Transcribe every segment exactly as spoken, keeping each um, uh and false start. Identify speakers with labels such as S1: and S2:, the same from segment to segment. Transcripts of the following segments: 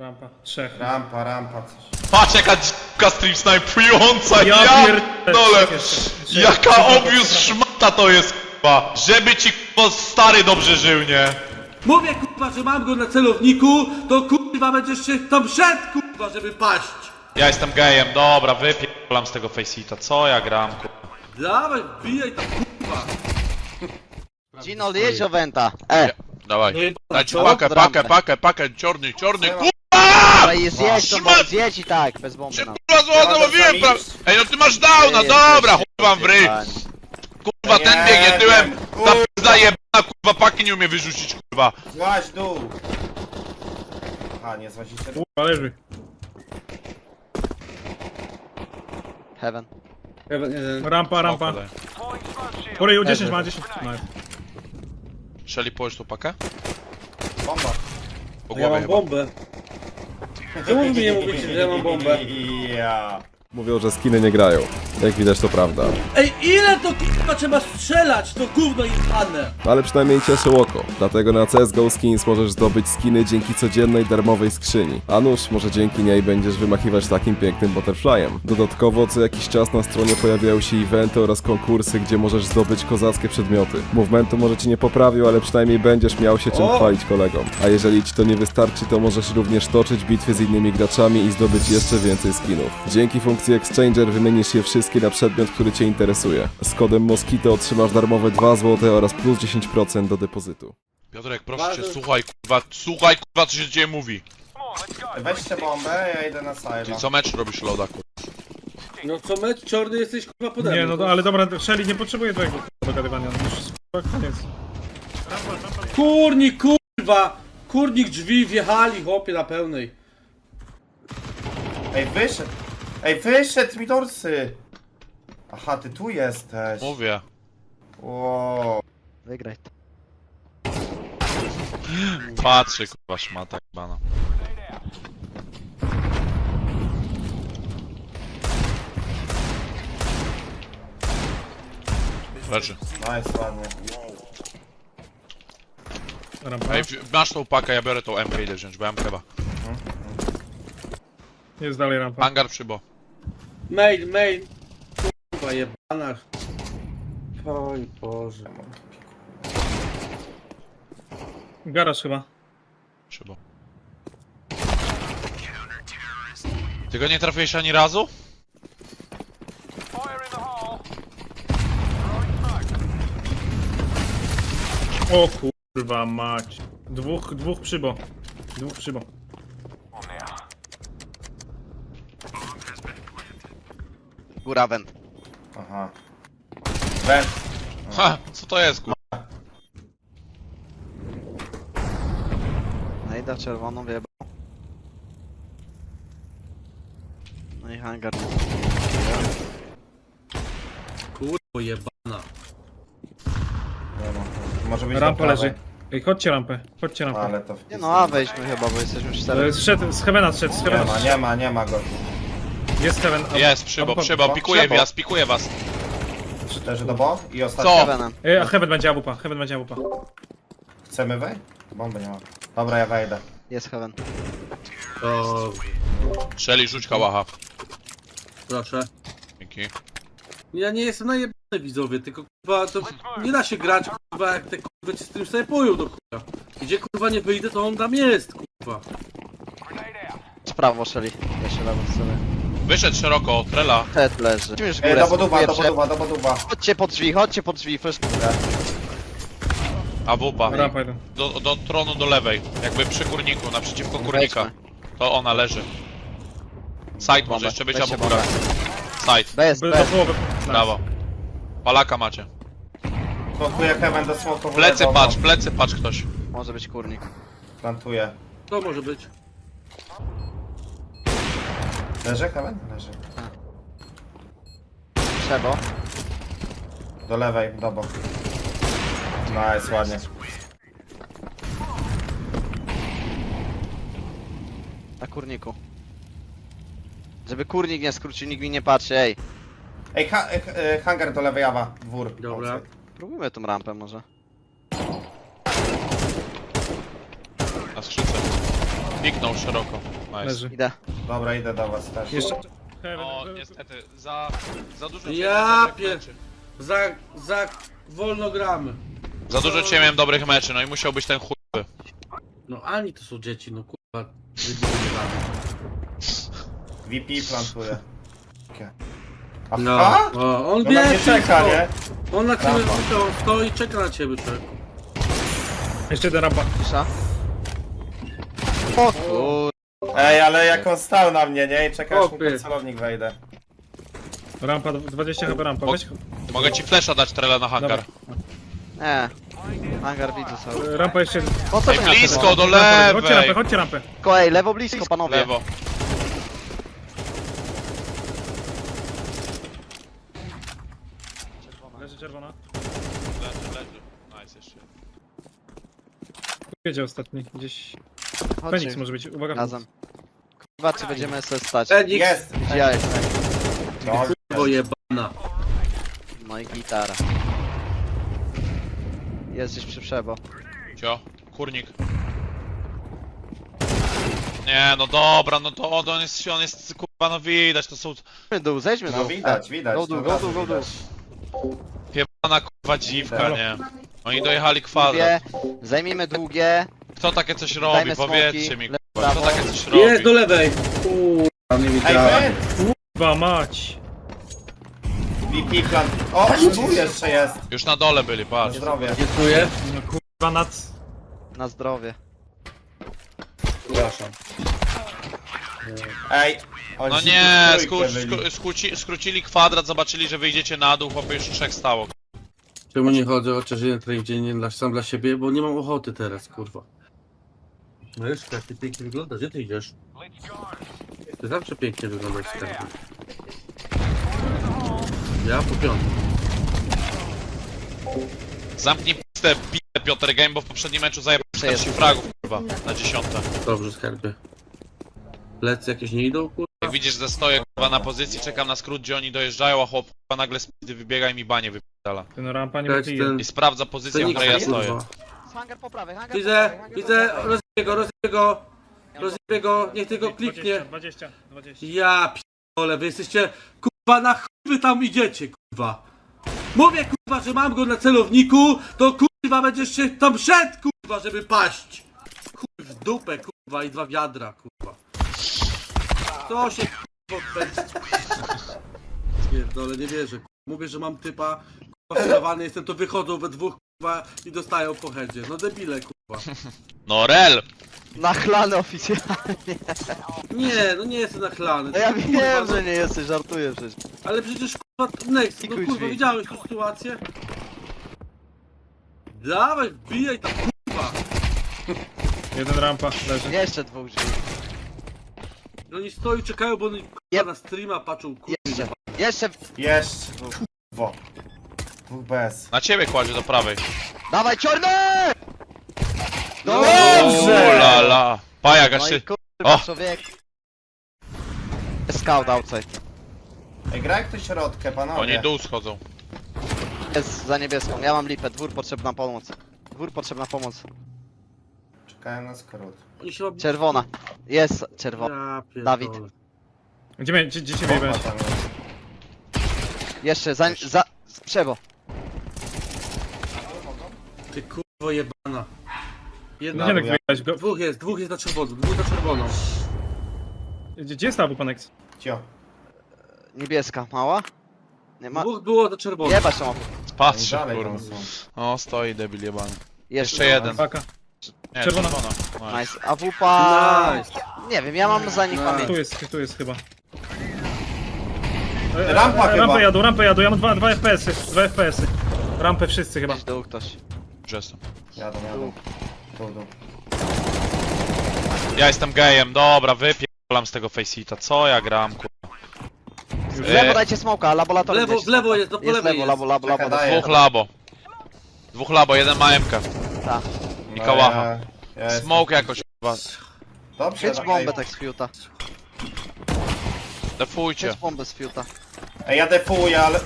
S1: Rampa. Trzech.
S2: Rampa, rampa, coś.
S3: Patrz jaka dzika stream snajpująca,
S1: Ja
S3: ja
S1: pierdolę.
S3: pierdolę!
S1: Trzech,
S3: Jaka
S1: trzech,
S3: obvious
S1: trzech.
S3: szmata to jest k***a! Żeby ci k***a stary dobrze żył, nie?
S4: Mówię kurwa, że mam go na celowniku, to kurwa będziesz się tam szedł kurwa, żeby paść.
S3: Ja jestem gejem, dobra, wypierdolam z tego faceita, co ja gram k***a?
S4: Dawaj, bijaj tam kurwa.
S5: Gino, jedź o Wenta. E,
S3: Dawaj, dajcie
S4: co?
S3: pakę, pakę,
S5: Rampę.
S3: pakę, pakę, czarny, czarny,
S2: Co?
S3: k***a!
S5: dobra, jest zjedź to, bo
S3: Szmat!
S5: zjedź i tak, bez bomby
S3: Się
S5: nam.
S3: kurwa złoto, mówiłem pra... Ej no ty masz downa, dobra, chuj wam w ryj! Kurwa ten
S2: Nie
S3: biegnie tyłem,
S2: wiem,
S3: ta
S2: kurwa.
S3: pizda jebana, kurwa paki nie umie wyrzucić, kurwa.
S2: Złaź dół. A, nie złazicie dół.
S1: Kurwa, leży.
S5: Heaven.
S1: Rampa, rampa.
S3: Smoko daj.
S1: Poryju dziesięć ma, dziesięć. No.
S3: Shelly, połóż tu pakę?
S2: Bomba.
S3: Po
S4: Ja
S3: głowie
S4: mam
S3: chyba.
S4: bombę. Czemu wy mi nie mówicie, że ja mam bombę?
S2: Ja.
S6: Mówią, że skiny nie grają. Jak widać to prawda.
S4: Ej, ile to kurwa trzeba strzelać, to gówno jebane.
S6: Ale przynajmniej cieszy oko. Dlatego na C S G O Skins możesz zdobyć skiny dzięki codziennej darmowej skrzyni. A nuż, może dzięki niej będziesz wymachiwać takim pięknym butterflyem. Dodatkowo co jakiś czas na stronie pojawiają się eventy oraz konkursy, gdzie możesz zdobyć kozackie przedmioty. Movementu może ci nie poprawił, ale przynajmniej będziesz miał się czym
S4: O!
S6: chwalić kolegom. A jeżeli ci to nie wystarczy, to możesz również toczyć bitwy z innymi graczami i zdobyć jeszcze więcej skinów. Dzięki funkcji Exchanger wymienisz je wszystkie na przedmiot, który cię interesuje. Z kodem Moskito otrzymasz darmowe dwa złote oraz plus dziesięć procent do depozytu.
S3: Piotrek, proszę cię,
S4: Bardzo-
S3: słuchaj kurwa, słuchaj kurwa co się dzieje mówi.
S2: Weźcie bombę, ja idę na
S3: Czyli
S2: side.
S3: co mecz robisz loda kurwa?
S4: No co mecz, czarny jesteś kurwa pode
S1: Nie,
S4: mną,
S1: no to, ale dobra, Shelly nie potrzebuje twojego dogadywania. Już kurwa, koniec.
S4: Kurnik kurwa! Kurnik drzwi wjechali chłopie na pełnej.
S2: Ej, wyszedł. Ej, wyszedł mi dorsy. Aha, ty tu jesteś.
S3: Mówię.
S2: Wow.
S5: Wygraj to.
S3: Patrzy kurwa szmata jebana. Leży.
S2: Nice, ładnie.
S1: Rampa.
S3: Ej, w- masz tą pakę, ja biorę tą M K, idę wziąć, bo M K chyba.
S1: Jest dalej rampa.
S3: Hangar przybo.
S4: Main, main. Kurwa jebana. Oj Boże.
S1: Garaż chyba.
S3: Przybo. Ty go nie trafiłeś ani razu?
S1: O kurwa mać. Dwóch, dwóch przybo. Dwóch przybo.
S5: Góra Went.
S2: Aha. Węd.
S3: Ha, co to jest kurwa?
S5: No i da czerwoną wyjebał. No i hangar.
S4: Kurwa jebana.
S2: Nie ma. Może być
S1: Rampa
S2: do prawej.
S1: leży. Ej, chodźcie rampę. Chodźcie rampę.
S2: Ale to
S5: Nie no, a wejdźmy chyba, bo jesteśmy
S1: E,
S5: cztery.
S1: Zszedł, z Heavena zszedł, z
S2: Nie
S1: Heavena
S2: ma,
S1: zszedł.
S2: nie ma, nie ma go.
S1: Jest Heaven. a-
S3: Jest, przybo,
S1: a-
S3: przybo,
S1: a-
S3: pikuje
S5: Przybo.
S3: was, pikuje was.
S2: Leży do bo i ostatni.
S3: Co?
S5: Heavenem.
S1: Ej, a Heaven będzie awupa, Heaven będzie awupa.
S2: Chcemy wejść? Bomby nie ma. Dobra, ja wejdę.
S5: Jest Heaven.
S4: O,
S3: Shelly, rzuć kałacha.
S4: proszę.
S3: Dzięki.
S4: Ja nie jestem najebany widzowie, tylko kurwa to nie da się grać kurwa jak te kurwa ci z tym snajpują do kurwa. Gdzie kurwa nie wyjdę to on tam jest kurwa.
S5: Z prawo szeli. Jeszcze lewo strony.
S3: Wyszedł szeroko, trela.
S5: Head leży. Lecimy już w
S2: Ej,
S5: górę.
S2: do boduwa, do
S5: pierwsze.
S2: boduwa, do boduwa.
S5: Chodźcie pod drzwi, chodźcie pod drzwi, first.
S3: A wupa.
S1: Rampa jeden.
S3: Do, do tronu do lewej. Jakby przy kurniku, naprzeciwko kurnika.
S5: Wejdźmy.
S3: To ona leży. Side może
S5: Bombę.
S3: jeszcze być
S5: Weźcie
S3: albo góra.
S5: bombę.
S3: Side,
S5: Bez,
S1: By do
S5: bez.
S1: połowy.
S3: brawo. Palaka macie.
S2: Smokuję Kevin do smoku.
S3: Plecy patrz, plecy patrz ktoś.
S5: Może być kurnik.
S2: Plantuję.
S4: To może być.
S2: Leży Kevin? Leży.
S5: Trzeba.
S2: Do lewej, do boku. Nice, ładnie.
S5: Na kurniku. Żeby kurnik nie skrócił, nikt mi nie patrzy, ej.
S2: Ej, ha e, e, hangar do lewej, Awa. Dwór.
S4: Dobra.
S2: Outside.
S5: Próbujmy tą rampę może.
S3: Na skrzydce. Piknął szeroko. Nice.
S1: Leży.
S5: Idę.
S2: Dobra, idę do was też.
S1: Jeszcze.
S3: No, niestety, za, za dużo cię
S4: Ja
S3: miałem dobrych
S4: pier...
S3: meczy.
S4: Za, za wolno gramy.
S3: Za dużo cię miałem dobrych meczy, no i musiał być ten chuj.
S4: No ani to są dzieci, no kurwa. debile gramy.
S2: V P plantuje. Okay.
S4: No,
S2: Aha!
S4: o, on
S2: No na mnie
S4: wie,
S2: czeka, nie?
S4: On na ciebie
S2: Rampa.
S4: to stoi i czeka na ciebie, człowieku.
S1: Jeszcze jeden rampa.
S5: Cisza. O kur...
S2: Ej, ale jak on stał na mnie, nie? I czeka aż mu
S4: Chłopie.
S2: pod celownik wejdę.
S1: Rampa, dwadzieścia chyba rampa. Weź.
S3: Mogę ci flesza dać trela na hangar.
S5: Nie. Hangar widzę sobie.
S1: Rampa jeszcze.
S5: Po co
S3: Ej,
S5: to miał
S3: blisko, do
S1: Rampa, chodźcie rampę,
S3: lewej!
S1: chodźcie rampę.
S5: Tylko ej, lewo blisko panowie.
S3: Lewo.
S1: Leży czerwona.
S3: Leży, leży. Nice jeszcze.
S1: Wiedzie ostatni. Gdzieś. Feniks
S5: Chodźcie
S1: może być. Uwaga.
S5: razem. Kurwa, czy będziemy sobie stać?
S4: Feniks,
S2: Jest!
S5: Ja jest.
S2: No,
S4: kurwo jebana.
S5: No i gitara. Jest gdzieś przy przebo.
S3: Cio, kurnik. Nie, no dobra, no to on jest, on jest, kurwa, no widać, to są
S5: Zejdźmy dół, zejdźmy
S2: no
S5: dół.
S2: widać, widać.
S5: Go dół,
S2: no
S5: go
S2: razu
S5: dół, go dół.
S2: widać.
S3: piebana, kurwa, dziwka,
S2: Halo.
S3: nie? Oni dojechali
S5: Długie,
S3: kwadrat.
S5: zajmijmy długie.
S3: Kto takie coś robi?
S5: Dajmy
S3: Powiedzcie
S5: smoki,
S3: mi,
S5: lewo,
S3: kurwa, kto
S5: prawo.
S3: takie coś
S4: Jest
S3: robi?
S4: do lewej. Kurwa, nie
S2: Ej,
S4: widziałem.
S2: wy!
S1: Kurwa mać.
S2: V P plant... O, tu jeszcze jest!
S3: Już na dole byli,
S2: Na
S3: patrz.
S2: zdrowie.
S4: Dziękuję.
S1: No kurwa nad.
S5: Na zdrowie.
S2: Przepraszam. Ej! oni
S3: No
S2: się
S3: nie,
S2: tu w
S3: sku,
S2: trójkę byli.
S3: sku, skróci, skrócili kwadrat, zobaczyli, że wyjdziecie na dół, chłopie już trzech stało.
S4: Czemu nie chodzę chociaż jeden trening dziennie dla, sam dla siebie, bo nie mam ochoty teraz, kurwa. No już jak ty pięknie wyglądasz, gdzie ty idziesz? Ty zawsze pięknie wyglądasz, skarbie. Ja po piątym.
S3: Zamknij pistę, bite Piotr Game, bo w poprzednim meczu zajebał
S5: Przejeżdżam.
S3: czterdzieści fragów, kurwa, na dziesiąte.
S4: Dobrze, skarbie. Plecy jakieś nie idą, kurwa?
S3: Jak widzisz, że stoję, kurwa, na pozycji, czekam na skrót, gdzie oni dojeżdżają, a chłop, kurwa, nagle z pizdy wybiega i mi banie wypierdala.
S1: Ten rampa nie
S4: Tak,
S1: wypije.
S4: ten-
S3: I sprawdza pozycję, w
S4: Feniks,
S3: której ja
S4: kurwa.
S3: stoję.
S5: Hangar po prawej, hangar
S4: Widzę,
S5: po prawej,
S4: widzę,
S5: hangar po prawej.
S4: rozbiję go, rozbiję go. Rozbiję go, niech tylko kliknie.
S1: dwadzieścia, dwadzieścia.
S4: Ja p***ole, wy jesteście, kurwa, na chuj wy tam idziecie, kurwa. Mówię, kurwa, że mam go na celowniku, to kurwa będziesz się tam szedł, kurwa, żeby paść. Chuj w dupę, kurwa, i dwa wiadra, kurwa. Co się, kurwa, odpędzi? Pierdole, nie wierzę, kurwa. Mówię, że mam typa, kurwa, sterowany jestem, to wychodzą we dwóch, kurwa, i dostają po headzie. No debile, kurwa.
S3: No rel!
S5: Nachlany oficjalnie.
S4: Nie, no nie jestem nachlany.
S5: No ja
S4: Kurwa,
S5: wiem,
S4: no-
S5: że nie jesteś, żartuję przecież.
S4: Ale przecież kurwa, Next, no
S5: Pikuj
S4: kurwa,
S5: drzwi.
S4: widziałeś tę sytuację? Dawaj, wbijaj tam, kurwa!
S1: Jeden rampa leży.
S5: Jeszcze dwóch drzwi.
S4: No oni stoją i czekają, bo oni kurwa
S5: Jep.
S4: na streama patrzą, kurwa.
S5: Jeszcze. Jeszcze.
S2: Jeszcze! Kurwo. Dwóch bez.
S3: Na ciebie kładzie do prawej.
S5: Dawaj, czarny!
S2: Dobrze!
S3: la la. Pajak, aż
S5: No
S3: się...
S5: i kurwa,
S3: O!
S5: człowiek. Scout outside.
S2: Ej, graj ktoś środkę, panowie.
S3: Oni dół schodzą.
S5: Jest za niebieską. Ja mam lipę. Dwór potrzebna pomoc. Dwór potrzebna pomoc.
S2: Czekają na skrót.
S4: Oni się
S5: Czerwona. Jest czerwona.
S4: Ja pierdolę.
S5: Dawid.
S1: Gdzie, mnie- gdzie, gdzie cię
S2: Bomba
S1: wyjebałeś?
S2: tam jest.
S5: Jeszcze za... za... Przebo.
S4: Ty kurwo jebana. Jedna,
S1: Gdzie
S2: No,
S1: tak
S2: ja-
S1: wyjebałeś? Go-
S4: dwóch jest, dwóch jest na czerwoną, dwóch na czerwoną.
S1: Gdzie, gdzie jest ta Panex?
S2: Cio.
S5: Niebieska. Mała? Nie ma...
S4: Dwóch było na czerwoną.
S5: Jebać tą.
S2: Oni
S3: Patrzy,
S2: dalej
S3: kurwa.
S2: tam są.
S3: O, stoi debil jebany.
S5: Jeszcze
S3: Jeszcze jeden.
S1: Paka.
S3: Nie,
S1: Czerwona.
S3: czerwona. Nice.
S5: Nice. A wupa...
S4: Nice.
S5: Nie wiem, ja mam za nich
S4: Nice.
S5: pamięć.
S1: Tu jest, tu jest chyba. E,
S2: Rampa
S1: e,
S2: chyba.
S1: Rampę jadą, rampę jadą, ja mam dwa, dwa F P S-y, dwa F P S-y. Rampę wszyscy chyba.
S5: Gdzieś dół ktoś.
S3: Już jestem.
S2: Jadą, jadą. Tu, tu.
S3: Ja jestem gejem, dobra, wypierdolam z tego faceita. Co ja gram, kurwa?
S5: W
S3: E,
S5: lewo dajcie smoka, laboratorium.
S4: W lewo,
S5: gdzieś
S4: w lewo
S5: smoka.
S4: jest, no po
S5: Jest
S4: lewej
S5: lewo,
S4: jest.
S5: labo, labo, labo.
S2: Czekaj, daję.
S3: Dwóch labo. Dwóch labo, jeden ma M K.
S5: Tak.
S3: I
S2: No,
S3: kałacha.
S2: ja- ja jestem-
S3: Smoke jakoś, kurwa.
S2: Dobrze,
S5: Chyć
S2: daj.
S5: bombę tak z fiuta.
S3: Defujcie.
S5: Chyć bombę z fiuta.
S2: Ej, ja defuję, ale...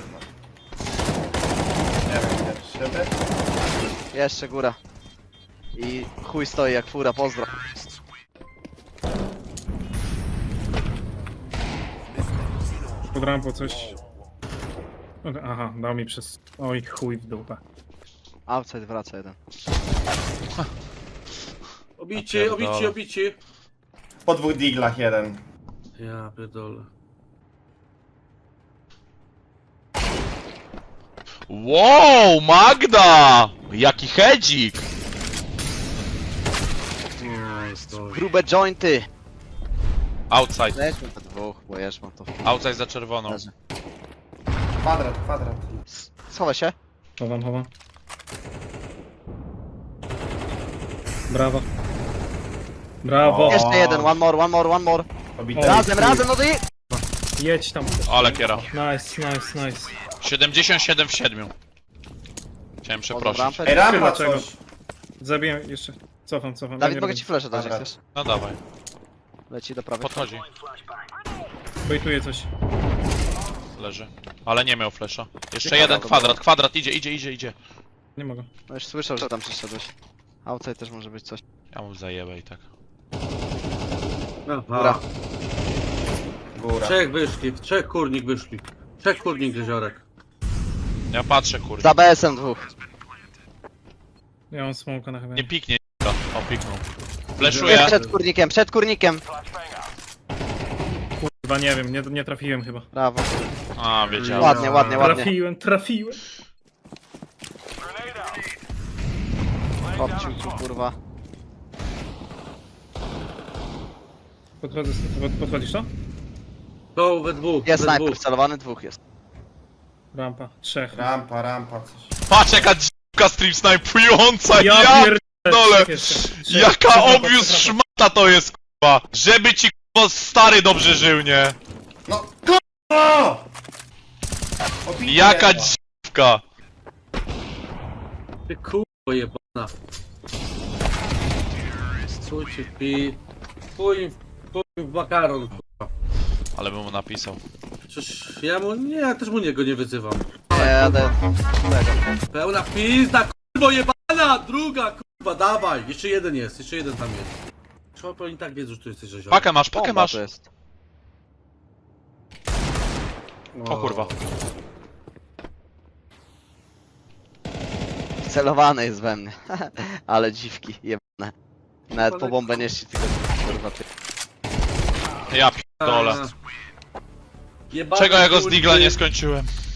S2: Nie wiem, gdzie siebie?
S5: Jeszcze góra. I chuj stoi jak fura, pozdro.
S1: Pod rampą coś. Aha, dał mi przez... Oj, chuj w dupę.
S5: Outside wraca jeden.
S4: Obici,
S3: Ja pierdolę.
S4: obici, obici.
S2: Po dwóch diglach jeden.
S4: Ja pierdolę.
S3: Wow, Magda! Jaki hedzik!
S5: Grube jointy!
S3: Outside,
S5: Lećmy po dwóch, bo jesz mam to.
S3: outside za czerwoną.
S5: Leży.
S2: Kwadrat, kwadrat.
S5: S- Schowaj się.
S1: Chowam, chowam. Brawo. Brawo.
S2: O.
S5: Jeszcze jeden, one more, one more, one more.
S2: Obity.
S5: Razem, razem, no to i...
S1: Jedź tam.
S3: Ale kiera.
S1: Nice, nice, nice.
S3: siedemdziesiąt siedem w siedmiu. Chciałem przeprosić.
S5: rampę.
S2: Ej, rampa
S1: Chyba czego.
S2: coś.
S1: Zabiję jeszcze. Cofam, cofam.
S5: Dawid,
S1: Nie
S5: mogę
S1: robię.
S5: ci flasha dać, jak
S2: Dobra.
S5: chcesz.
S3: No dawaj,
S5: Leci do prawej.
S3: podchodzi.
S1: Bejtuję coś.
S3: Leży. Ale nie miał flesza. Jeszcze
S5: Ciekawe,
S3: jeden
S5: to
S3: kwadrat, kwadrat, idzie, idzie, idzie, idzie.
S1: Nie mogę.
S5: No już słyszał, że tam przyszedłeś. Outside też może być coś.
S3: Ja mu zajebę i tak.
S4: Aha.
S5: Góra.
S2: Góra.
S4: Trzech wyszli, trzech kurnik wyszli. Trzech kurnik jeziorek.
S3: Ja patrzę, kurde.
S5: Za B S-em dwóch.
S1: Ja mam smoka na chyba.
S3: Nie piknie, o piknął. Fleszuję.
S5: Przed kurnikiem, przed kurnikiem.
S1: Chyba nie wiem, nie, nie trafiłem chyba.
S5: Brawo.
S3: A, wiedziałem.
S5: Ładnie, ładnie, ładnie.
S1: Trafiłem, trafiłem.
S5: Chłopciu tu, kurwa.
S1: Podchodzę, pod, podchodzisz to?
S4: To we dwóch,
S5: Jest
S4: we
S5: snajper,
S4: dwóch.
S5: celowany dwóch jest.
S1: Rampa. Trzech.
S2: Rampa, rampa, coś.
S3: Patrz jaka dzika stream snajpująca,
S1: Ja
S3: ja
S1: pierdolę.
S3: dole.
S1: Trzech jeszcze. Trzech.
S3: Jaka
S1: Trzech rampa,
S3: obvious
S1: trzech rampa.
S3: szmata to jest, kurwa. Żeby ci, kurwa, stary dobrze żył, nie?
S2: No, k***o! Obity
S3: Jaka
S2: jedna.
S3: dziwka.
S4: Ty kurwa jebana. Słuchajcie, pi... Chuj im w- chuj im w makaron, kurwa.
S3: Ale bym mu napisał.
S4: Przecież ja mu... Nie, ja też mu niego nie wyzywam.
S5: Nie, jadę. Tego.
S4: Pełna pizda, kurwa jebana! Druga, kurwa, dawaj! Jeszcze jeden jest, jeszcze jeden tam jest. Trzeba oni tak wiedzą, że tu jesteś jeziorek.
S3: Pakę masz, pakę
S5: Bomba
S3: masz.
S5: to jest.
S3: O kurwa.
S5: Celowany jest we mnie. Ale dziwki, jebane. Nawet po bombę nie szli, tylko kurwa ty.
S3: Ja pierdolę.
S4: Jebane
S3: Czego ja go z
S4: kurwy.
S3: digla nie skończyłem?